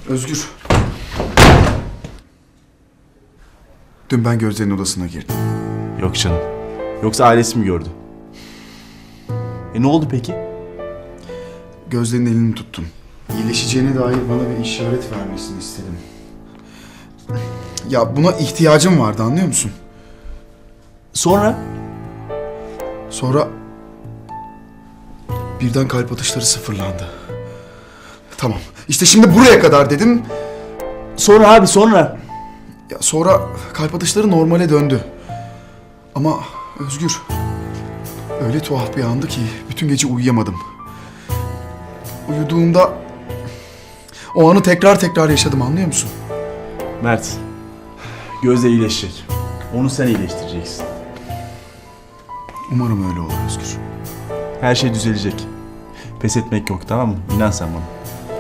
Özgür. Dün ben Gözde'nin odasına girdim. Yok canım. Yoksa ailesi mi gördü? Ne oldu peki? Gözde'nin elini tuttum. İyileşeceğine dair bana bir işaret vermesini istedim. Ya buna ihtiyacım vardı, anlıyor musun? Sonra? Sonra birden kalp atışları sıfırlandı. Tamam. İşte şimdi buraya kadar dedim. Sonra abi sonra. Ya sonra kalp atışları normale döndü. Ama Özgür, öyle tuhaf bir andı ki bütün gece uyuyamadım. Uyuduğumda o anı tekrar yaşadım, anlıyor musun? Mert. Gözde iyileşecek. Onu sen iyileştireceksin. Umarım öyle olur Özgür. Her şey düzelecek. Pes etmek yok, tamam mı? İnan sen bana.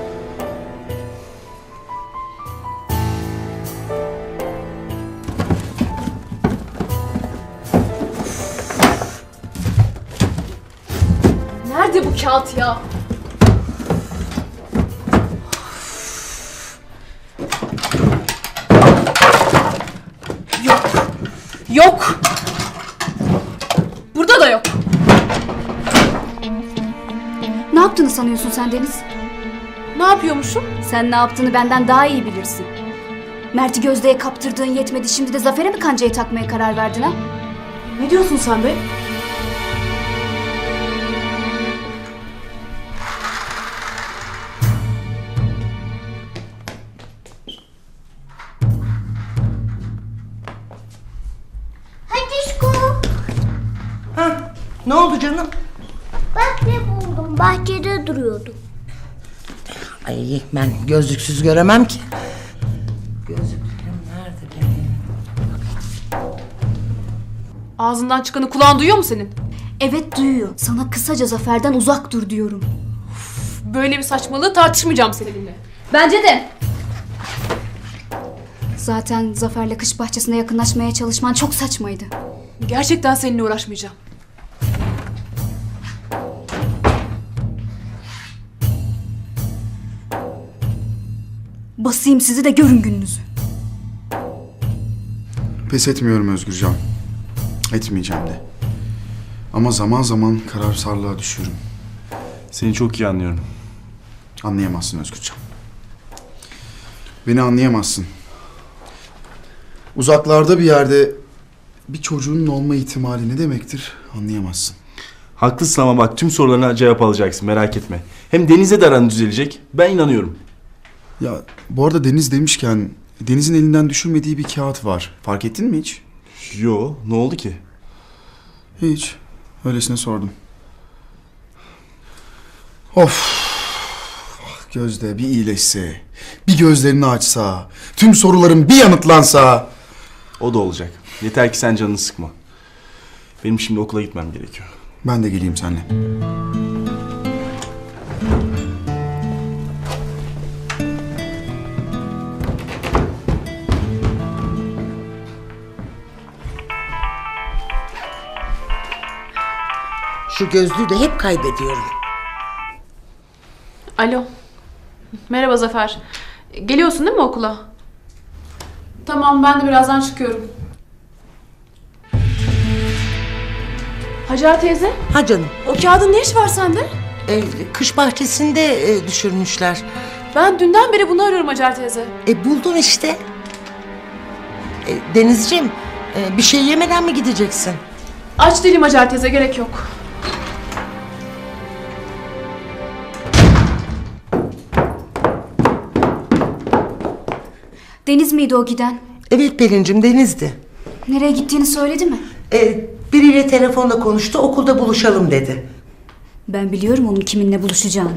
Nerede bu kağıt ya? Yok. Burada da yok. Ne yaptığını sanıyorsun sen Deniz? Ne yapıyormuşum? Sen ne yaptığını benden daha iyi bilirsin. Mert'i Gözde'ye kaptırdığın yetmedi, şimdi de Zafer'e mi kancayı takmaya karar verdin ha? Ne diyorsun sen be? Ha, ne oldu canım? Bak ne buldum. Bahçede duruyordu. Ay ben gözlüksüz göremem ki. Gözlüklerim nerede benim? Ağzından çıkanı kulağın duyuyor mu senin? Evet, duyuyor. Sana kısaca Zafer'den uzak dur diyorum. Böyle bir saçmalığı tartışmayacağım seninle. Bence de. Zaten Zafer'le kış bahçesine yakınlaşmaya çalışman çok saçmaydı. Gerçekten seninle uğraşmayacağım. Basayım sizi de görün gününüzü. Pes etmiyorum Özgürcan. Etmeyeceğim de. Ama zaman zaman kararsızlığa düşüyorum. Seni çok iyi anlıyorum. Anlayamazsın Özgürcan. Beni anlayamazsın. Uzaklarda bir yerde bir çocuğunun olma ihtimali ne demektir anlayamazsın. Haklısın ama bak tüm sorularına cevap alacaksın, merak etme. Hem Deniz'le de aran düzelecek. Ben inanıyorum. Ya bu arada Deniz demişken Deniz'in elinden düşürmediği bir kağıt var. Fark ettin mi hiç? Yo, ne oldu ki? Hiç. Öylesine sordum. Of. Ah, Gözde bir iyileşse, bir gözlerini açsa, tüm sorularım bir yanıtlansa. O da olacak. Yeter ki sen canını sıkma. Benim şimdi okula gitmem gerekiyor. Ben de geleyim seninle. Şu gözlüğü de hep kaybediyorum. Alo. Merhaba Zafer. Geliyorsun değil mi okula? Tamam, ben de birazdan çıkıyorum. Hacer teyze, Ha canım, o kağıdın ne işi var sende? kış bahçesinde düşürmüşler. Ben dünden beri bunu arıyorum Hacer teyze. Buldum işte. Denizciğim, bir şey yemeden mi gideceksin? Aç değilim Hacer teyze, gerek yok. Deniz miydi o giden? Evet Pelin'cim, Deniz'di. Nereye gittiğini söyledi mi? Biriyle telefonda konuştu, okulda buluşalım dedi. Ben biliyorum onun kiminle buluşacağını.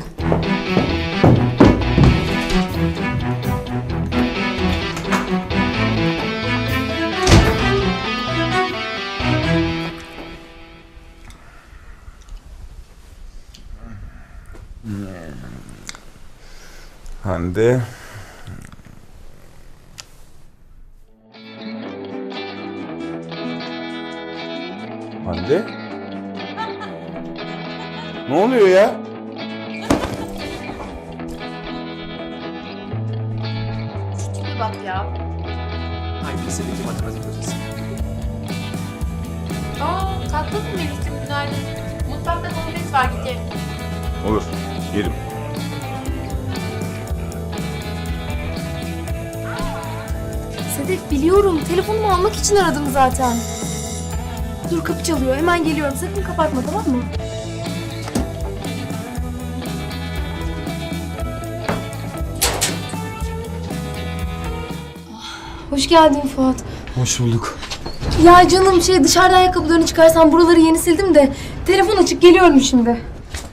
Hande. Hande? Ne oluyor ya? Şubat ya. Hangi lisedeki matematik hocası? Kalktın mı Melih'cim? Günaydın. Mutfakta patates var, git ye. Olur. Yerim. Sedef biliyorum. Telefonumu almak için aradım zaten. Dur kapı çalıyor. Hemen geliyorum. Sakın kapatma, tamam mı? Hoş geldin Fuat. Hoş bulduk. Ya canım dışarıda ayakkabılarını çıkarsan buraları yeni sildim de telefon açık geliyorum şimdi.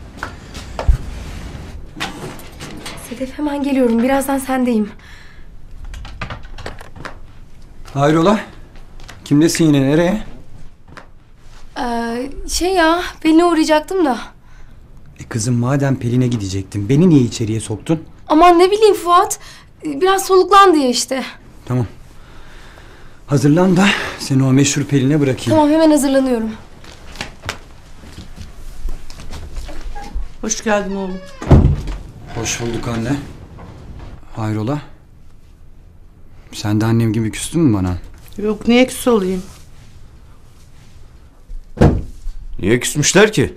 Sedef hemen geliyorum. Birazdan sendeyim. Hayrola? Kimdesin yine, nereye? Pelin'e uğrayacaktım da. Kızım madem Pelin'e gidecektin, beni niye içeriye soktun? Aman ne bileyim Fuat. Biraz soluklan diye işte. Tamam. Hazırlan da seni o meşhur Pelin'e bırakayım. Tamam hemen hazırlanıyorum. Hoş geldin oğlum. Hoş bulduk anne. Hayrola? Sen de annem gibi küstün mü bana? Yok, niye küs olayım? Niye küsmüşler ki?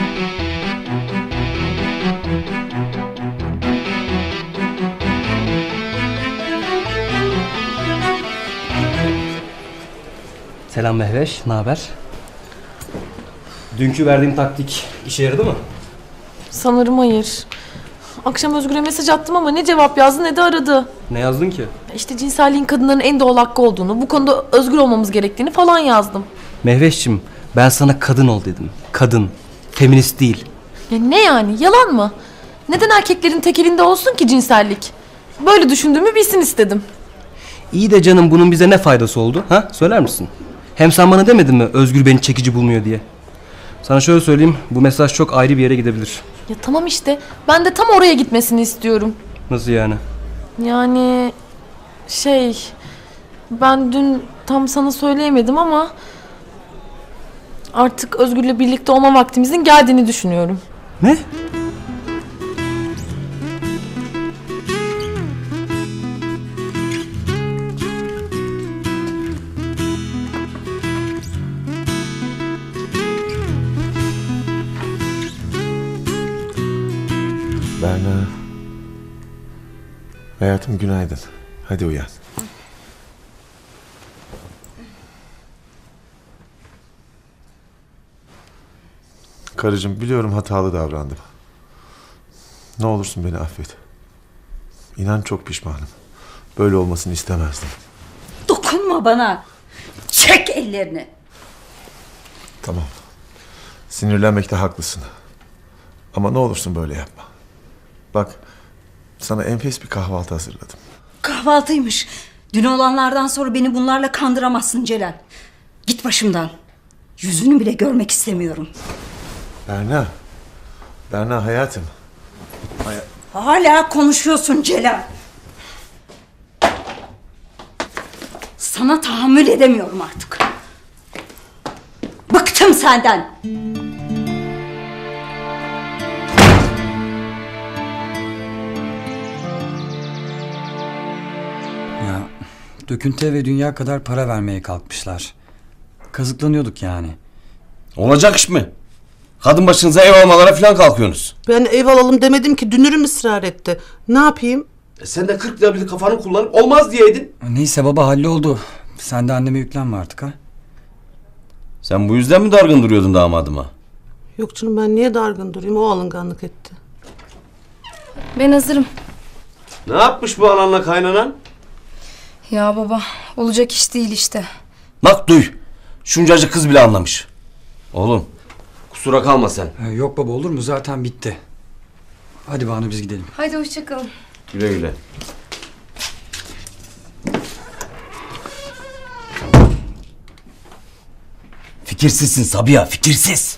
Selam Mehveş, ne haber? Dünkü verdiğim taktik işe yaradı mı? Sanırım hayır. Akşam Özgür'e mesaj attım ama ne cevap yazdı ne de aradı. Ne yazdın ki? İşte cinselliğin kadınların en doğal hakkı olduğunu, bu konuda özgür olmamız gerektiğini falan yazdım. Mehveş'cim, ben sana kadın ol dedim. Kadın, feminist değil. Ya ne yani, yalan mı? Neden erkeklerin tek elinde olsun ki cinsellik? Böyle düşündüğümü bilsin istedim. İyi de canım, bunun bize ne faydası oldu? Ha? Söyler misin? Hem sen bana demedin mi Özgür beni çekici bulmuyor diye? Sana şöyle söyleyeyim, bu mesaj çok ayrı bir yere gidebilir. Ya tamam işte, ben de tam oraya gitmesini istiyorum. Nasıl yani? Yani ben dün tam sana söyleyemedim ama artık Özgür'le birlikte olma vaktimizin geldiğini düşünüyorum. Ne? Berna. Hayatım günaydın. Hadi uyan. Karıcığım biliyorum hatalı davrandım. Ne olursun beni affet. İnan çok pişmanım. Böyle olmasını istemezdim. Dokunma bana. Çek ellerini. Tamam. Sinirlenmekte haklısın. Ama ne olursun böyle yapma. Bak, sana enfes bir kahvaltı hazırladım. Kahvaltıymış. Dün olanlardan sonra beni bunlarla kandıramazsın Celal. Git başımdan. Yüzünü bile görmek istemiyorum. Berna. Berna hayatım. Hala konuşuyorsun Celal. Sana tahammül edemiyorum artık. Bıktım senden. Ya döküntü ve dünya kadar para vermeye kalkmışlar. Kazıklanıyorduk yani. Olacak iş mi? Kadın başınıza ev almalara falan kalkıyorsunuz. Ben ev alalım demedim ki, dünürüm ısrar etti. Ne yapayım? Sen de 40 lira bir kafanı kullanıp olmaz diyeydin. Neyse baba, halloldu. Sen de anneme yüklenme artık ha. Sen bu yüzden mi dargın duruyordun damadıma? Yok canım, ben niye dargın durayım? O alınganlık etti. Ben hazırım. Ne yapmış bu ananla kaynanan? Ya baba olacak iş değil işte. Bak duy. Şuncacık kız bile anlamış. Oğlum kusura kalma sen. Yok baba, olur mu, zaten bitti. Hadi Banu biz gidelim. Haydi hoşçakalın. Güle güle. Fikirsizsin Sabiha, fikirsiz.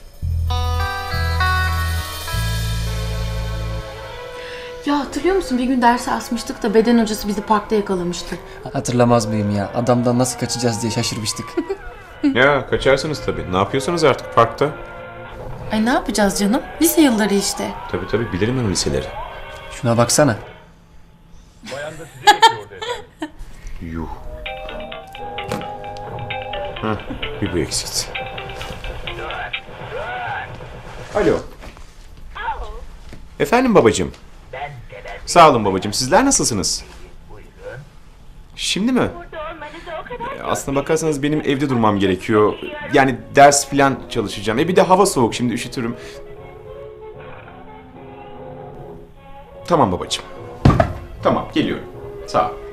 Ya hatırlıyor musun, bir gün dersi asmıştık da beden hocası bizi parkta yakalamıştı. Hatırlamaz mıyım ya? Adamdan nasıl kaçacağız diye şaşırmıştık. Ya kaçarsınız tabii. Ne yapıyorsunuz artık parkta? Ay ne yapacağız canım? Lise yılları işte. Tabii bilirim ben o liseleri. Şuna baksana. Yuh. Heh, bir bu eksikti. Alo. Efendim babacığım. Sağ olun babacığım. Sizler nasılsınız? Şimdi mi? Aslına bakarsanız benim evde durmam gerekiyor. Yani ders falan çalışacağım. Bir de hava soğuk, şimdi üşütürüm. Tamam babacığım. Tamam, geliyorum. Sağ ol.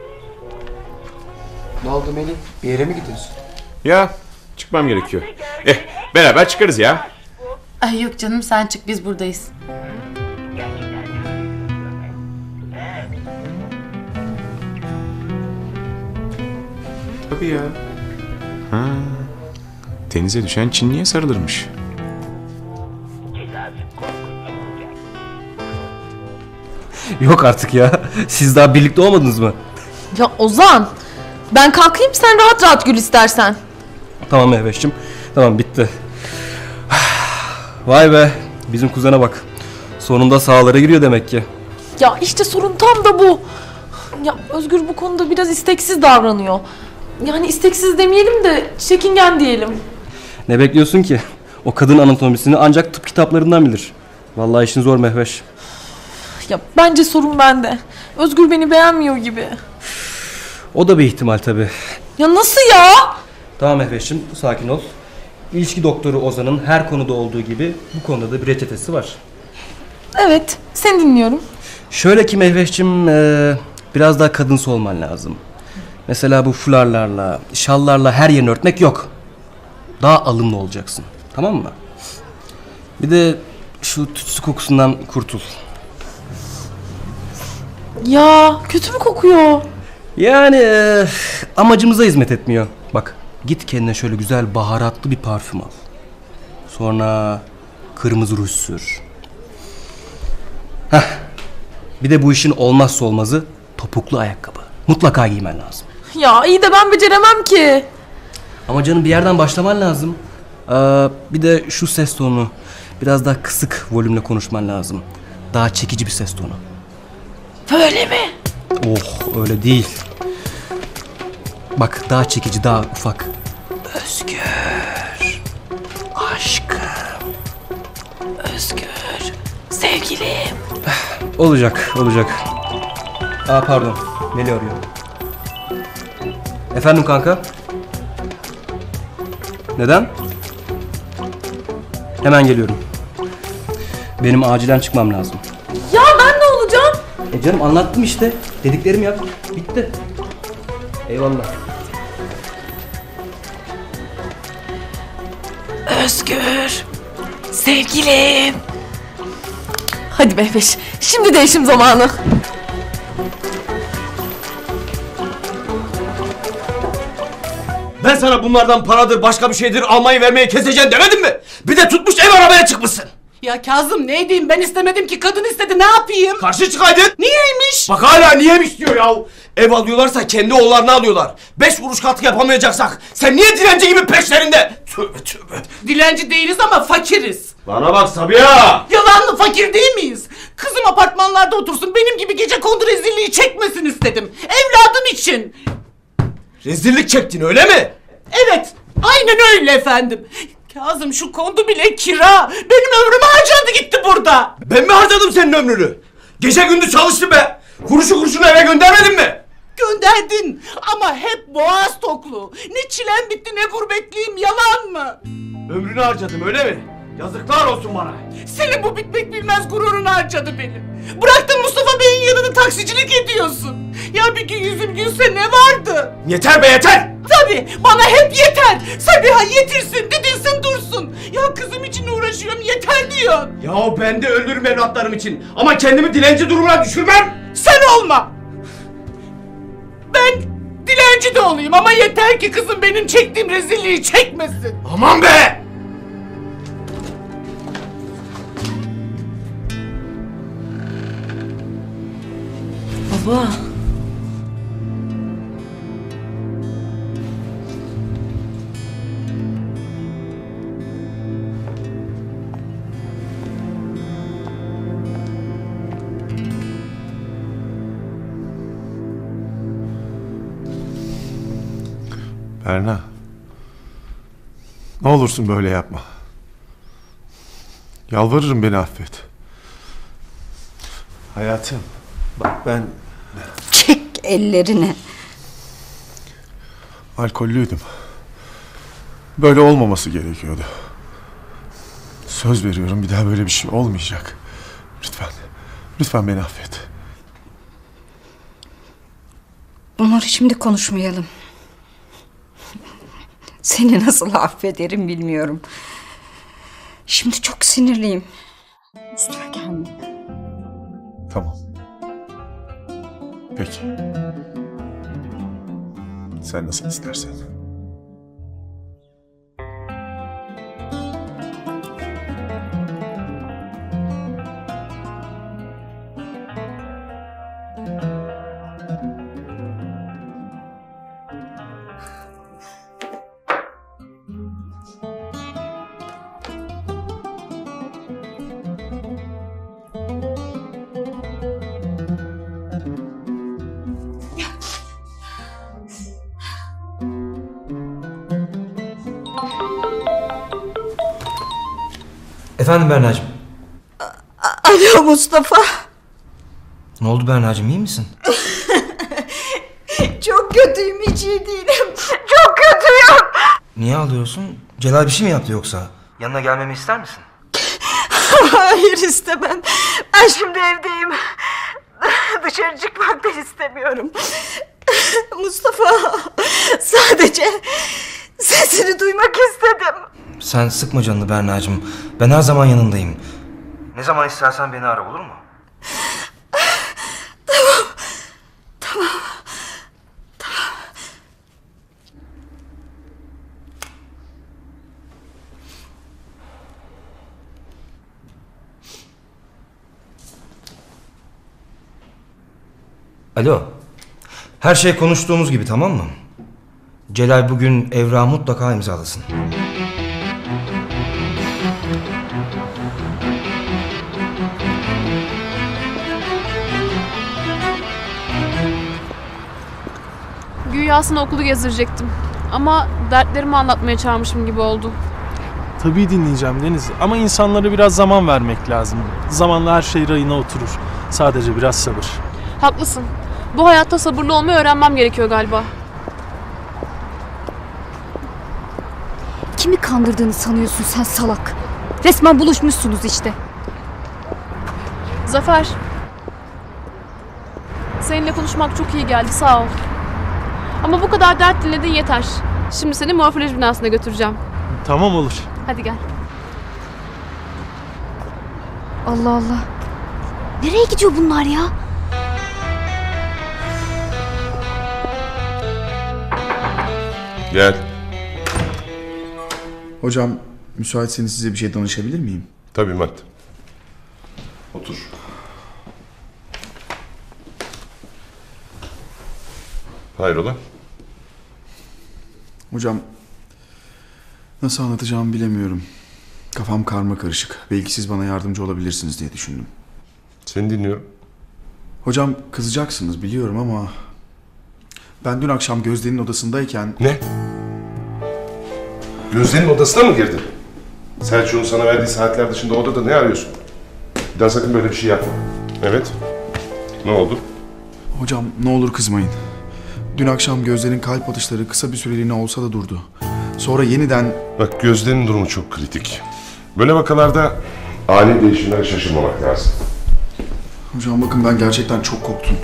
Ne oldu Melih? Bir yere mi gidiyorsun? Ya çıkmam gerekiyor. Beraber çıkarız ya. Ay yok canım, sen çık, biz buradayız. Tabii ya. Ha. Denize düşen Çinli'ye sarılırmış. Yok artık ya. Siz daha birlikte olmadınız mı? Ya Ozan, ben kalkayım sen rahat rahat gül istersen. Tamam Mehveş'cim. Tamam, bitti. Vay be. Bizim kuzene bak. Sonunda sahalara giriyor demek ki. Ya işte sorun tam da bu. Ya Özgür bu konuda biraz isteksiz davranıyor. Yani isteksiz demeyelim de çekingen diyelim. Ne bekliyorsun ki? O kadın anatomisini ancak tıp kitaplarından bilir. Vallahi işin zor Mehveş. Ya bence sorun bende. Özgür beni beğenmiyor gibi. O da bir ihtimal tabii. Ya nasıl ya? Tamam Mehveş'cim, sakin ol. İlişki doktoru Ozan'ın her konuda olduğu gibi bu konuda da bir reçetesi var. Evet, seni dinliyorum. Şöyle ki Mehveş'cim, biraz daha kadınsı olman lazım. Mesela bu fularlarla, şallarla her yerini örtmek yok. Daha alımlı olacaksın. Tamam mı? Bir de şu tütsü kokusundan kurtul. Ya kötü mü kokuyor? Yani amacımıza hizmet etmiyor. Bak, git kendine şöyle güzel baharatlı bir parfüm al. Sonra kırmızı ruj sür. Heh. Bir de bu işin olmazsa olmazı topuklu ayakkabı. Mutlaka giymen lazım. Ya iyi de ben beceremem ki. Ama canım, bir yerden başlaman lazım. Bir de şu ses tonu. Biraz daha kısık volümle konuşman lazım. Daha çekici bir ses tonu. Böyle mi? Oh, öyle değil. Bak, daha çekici, daha ufak. Özgür. Aşkım. Özgür. Sevgilim. Olacak, olacak. Pardon. Melih arıyor. Efendim kanka? Neden? Hemen geliyorum. Benim acilen çıkmam lazım. Ya ben ne olacağım? Canım, anlattım işte. Dediklerimi yap. Bitti. Eyvallah. Özgür. Sevgilim. Hadi Mehveş, şimdi değişim zamanı. Ben sana bunlardan paradır başka bir şeydir almayı vermeyi keseceğim demedim mi? Bir de tutmuş ev arabaya çıkmışsın. Ya Kazım ne edeyim, ben istemedim ki, kadın istedi, ne yapayım? Karşı çıkaydın. Niyeymiş? Bak hala niyeymiş diyor ya. Ev alıyorlarsa kendi oğullarını alıyorlar. 5 kuruş katkı yapamayacaksak sen niye dilenci gibi peşlerinde? Tövbe tövbe. Dilenci değiliz ama fakiriz. Bana bak Sabiha. Yalanlı fakir değil miyiz? Kızım apartmanlarda otursun, benim gibi gecekondu rezilliği çekmesin istedim. Evladım için. Rezillik çektin öyle mi? Evet, aynen öyle efendim. Kazım şu kondu bile kira. Benim ömrüm harcandı gitti burada. Ben mi harcadım senin ömrünü? Gece gündüz çalıştım be. Kuruşu kuruşunu eve göndermedin mi? Gönderdin ama hep boğaz toklu. Ne çilem bitti ne gurbetliyim, yalan mı? Ömrünü harcadım öyle mi? Yazıklar olsun bana. Senin bu bitmek bilmez gururun harcadı beni. Bıraktın Mustafa Bey'in yanında taksicilik ediyorsun. Ya bir gün yüzüm gülse ne vardı? Yeter be yeter. Tabii bana hep yeter. Sabiha yetirsin, didilsin, dursun. Ya kızım için uğraşıyorum, yeter diyor. Ya ben de öldürürüm evlatlarım için. Ama kendimi dilenci durumuna düşürmem. Sen olma. Ben dilenci de olayım ama yeter ki kızım benim çektiğim rezilliği çekmesin. Aman be. Baba. Berna. Ne olursun böyle yapma. Yalvarırım, beni affet. Hayatım, bak ben Çek ellerini. alkollüydüm. Böyle olmaması gerekiyordu. Söz veriyorum, bir daha böyle bir şey olmayacak. Lütfen, lütfen beni affet. Bunları şimdi konuşmayalım. Seni nasıl affederim bilmiyorum. Şimdi çok sinirliyim. Üstüme gelme. Tamam. Peki. Sen nasıl istersen. Efendim Berna'cığım. Alo Mustafa. Ne oldu Berna'cığım, iyi misin? Çok kötüyüm, hiç iyi değilim. Çok kötüyüm. Niye ağlıyorsun? Celal bir şey mi yaptı yoksa? Yanına gelmemi ister misin? Hayır, istemem. Ben şimdi evdeyim. Dışarı çıkmak da istemiyorum. Mustafa, sadece sesini duymak istedim. Sen sıkma canını Berna'cığım. Ben her zaman yanındayım. Ne zaman istersen beni ara, olur mu? Tamam. Alo. Her şey konuştuğumuz gibi, tamam mı? Celal bugün evrağı mutlaka imzalasın. Güya aslında okulu gezdirecektim. Ama dertlerimi anlatmaya çağırmışım gibi oldu. Tabii dinleyeceğim Deniz ama insanlara biraz zaman vermek lazım. Zamanla her şey rayına oturur. Sadece biraz sabır. Haklısın. Bu hayatta sabırlı olmayı öğrenmem gerekiyor galiba. Kimi kandırdığını sanıyorsun sen salak? Resmen buluşmuşsunuz işte. Zafer. Seninle konuşmak çok iyi geldi, sağ ol. Ama bu kadar dert dinledin yeter. Şimdi seni morfoloji binasına götüreceğim. Tamam, olur. Hadi gel. Allah Allah. Nereye gidiyor bunlar ya? Gel. Hocam, müsaitseniz size bir şey danışabilir miyim? Tabii Mat. Otur. Hayrola? Hocam, nasıl anlatacağımı bilemiyorum. Kafam karma karışık. Belki siz bana yardımcı olabilirsiniz diye düşündüm. Seni dinliyorum. Hocam, kızacaksınız biliyorum ama... Ben dün akşam Gözde'nin odasındayken... Ne? Gözde'nin odasına mı girdin? Selçuk'un sana verdiği saatler dışında odada ne arıyorsun? Bir daha sakın böyle bir şey yapma. Evet. Ne oldu? Hocam, ne olur kızmayın. Dün akşam Gözde'nin kalp atışları kısa bir süreliğine olsa da durdu. Sonra yeniden... Bak, Gözde'nin durumu çok kritik. Böyle vakalarda ani değişimlere şaşırmamak lazım. Hocam bakın, ben gerçekten çok korktum.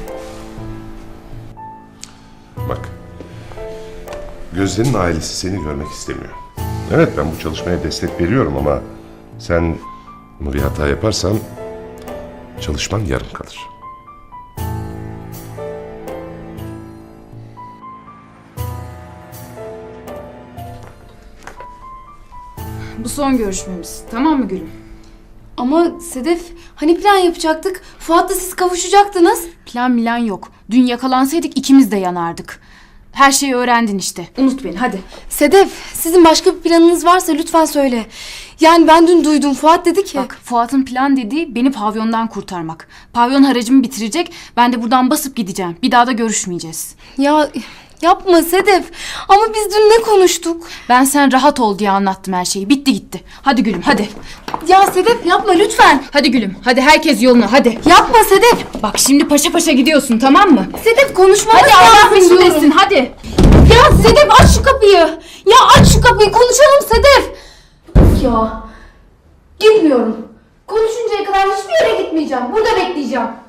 Bak, Gözde'nin ailesi seni görmek istemiyor. Evet, ben bu çalışmaya destek veriyorum ama sen bir hata yaparsan çalışman yarım kalır. Bu son görüşmemiz. Tamam mı Gülüm? Ama Sedef, hani plan yapacaktık? Fuat'la siz kavuşacaktınız. Plan milan yok. Dün yakalansaydık ikimiz de yanardık. Her şeyi öğrendin işte. Unut beni hadi. Sedef, sizin başka bir planınız varsa lütfen söyle. Yani ben dün duydum, Fuat dedi ki... Bak, Fuat'ın plan dediği beni pavyondan kurtarmak. Pavyon haracımı bitirecek, ben de buradan basıp gideceğim. Bir daha da görüşmeyeceğiz. Ya Yapma Sedef. Ama biz dün ne konuştuk? Ben sen rahat ol diye anlattım her şeyi. Bitti gitti. Hadi gülüm hadi. Ya Sedef yapma lütfen. Hadi gülüm hadi herkes yoluna hadi. Yapma Sedef. Bak şimdi paşa paşa gidiyorsun tamam mı? Sedef konuşmamız lazım. Hadi Allah peşindesin hadi. Ya Sedef aç şu kapıyı. Ya aç şu kapıyı konuşalım Sedef. Ya gitmiyorum. Konuşuncaya kadar hiçbir yere gitmeyeceğim. Burada bekleyeceğim.